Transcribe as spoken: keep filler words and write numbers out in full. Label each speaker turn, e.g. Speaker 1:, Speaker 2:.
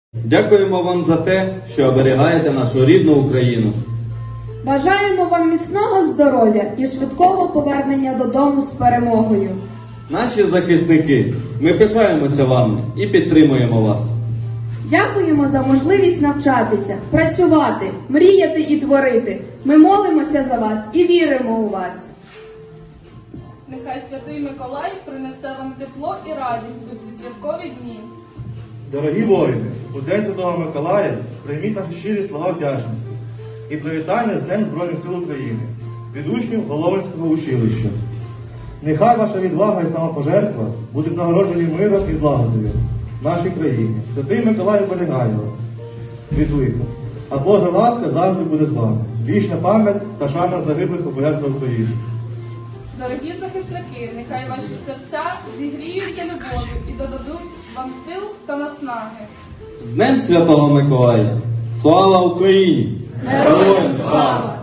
Speaker 1: Дякуємо вам за те, що оберігаєте нашу рідну Україну.
Speaker 2: Бажаємо вам міцного здоров'я і швидкого повернення додому з перемогою.
Speaker 1: Наші захисники, ми пишаємося вами і підтримуємо вас.
Speaker 2: Дякуємо за можливість навчатися, працювати, мріяти і творити. Ми молимося за вас і віримо у вас.
Speaker 3: Нехай Святий Миколай принесе вам тепло і радість у ці святкові дні.
Speaker 4: Дорогі воїни, у День Святого Миколая прийміть наші щирі слова вдячності і привітання з Днем Збройних сил України від учнів Головинського училища. Нехай ваша відвага і самопожертва будуть нагороджені миром і злагодою в нашій країні. Святий Миколай оберігає вас від лиха, а Божа ласка завжди буде з вами. Вічна пам'ять та шана загиблих у боях за Україну.
Speaker 3: Дорогі захисники, нехай ваші серця зігріються любов'ю і додадуть вам сил та наснаги.
Speaker 1: З Днем Святого Миколая! Слава Україні!
Speaker 2: Героям слава!